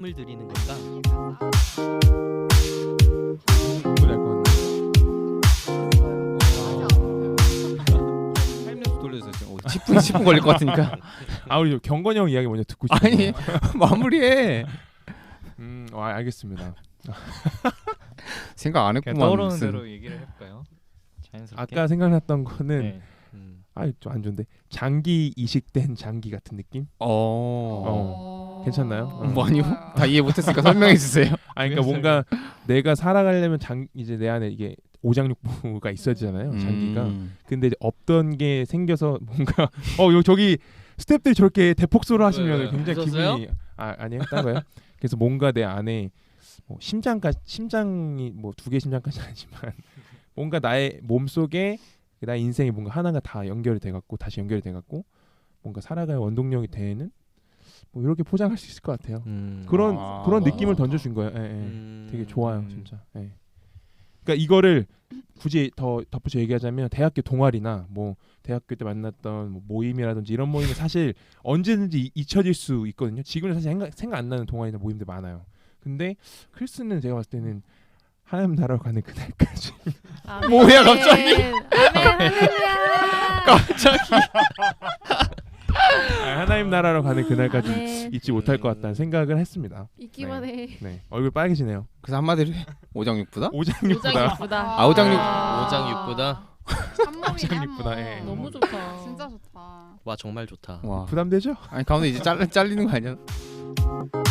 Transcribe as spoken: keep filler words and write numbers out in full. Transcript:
을 드리는 건가? 노래 알것 같네. 타임랩스 돌려주세요. 어, 십 분 십 분 걸릴 것 같으니까. 아 우리 경건이 형 이야기 먼저 듣고 싶어요. 아니 마무리해. 음, 아, 알겠습니다. 생각 안 그냥 했구만. 떠오르는 무슨. 대로 얘기를 해볼까요? 자연스럽게. 아까 생각났던 거는 네. 음. 아 좀 안 좋은데 장기 이식된 장기 같은 느낌? 어. 어. 괜찮나요? 어. 뭐 아니요. 다 이해 못했으니까 설명해 주세요. 아 그러니까 뭔가 내가 살아가려면 장 이제 내 안에 이게 오장육부가 있어야 되잖아요. 장기가. 음. 근데 이제 없던 게 생겨서 뭔가 어 요 저기 스태프들이 저렇게 대폭소를 하시면 왜, 왜? 굉장히 웃었어요? 기분이 아 아니에요 딴 거요. 그래서 뭔가 내 안에 뭐 심장까지 심장이 뭐 두 개 심장까지는 아니지만 뭔가 나의 몸 속에 나의 인생이 뭔가 하나가 다 연결이 돼갖고 다시 연결이 돼갖고 뭔가 살아갈 원동력이 되는 뭐 이렇게 포장할 수 있을 것 같아요. 음. 그런 아, 그런 너무 느낌을 좋다. 던져준 거예요. 예, 예. 음. 되게 좋아요, 진짜. 예. 그러니까 이거를 굳이 더 덧붙여 얘기하자면 대학교 동아리나 뭐 대학교 때 만났던 뭐 모임이라든지 이런 모임은 사실 언제든지 이- 잊혀질 수 있거든요. 지금은 사실 생각, 생각 안 나는 동아리나 모임들 많아요. 근데 크리스는 제가 봤을 때는 하나님 나라로 가는 그날까지 아멘. 뭐야, 갑자기? 아멘 할렐루야. 갑자기. 아, 하나님 나라로 가는 그날까지 아멘. 잊지 못할 것 같다는 생각을 했습니다. 있기만 해. 네, 얼굴 빨개지네요. 그래서 한마디로 해. 오장육부다? 오장육보다 오장 이쁘다. 아, 오장육. 오장육보다 한몸이네 오장육보다, 한몸. 예. 너무 좋다. 진짜 좋다. 와 정말 좋다. 와. 부담되죠? 아니 가운데 이제 잘 잘리는 거 아니야?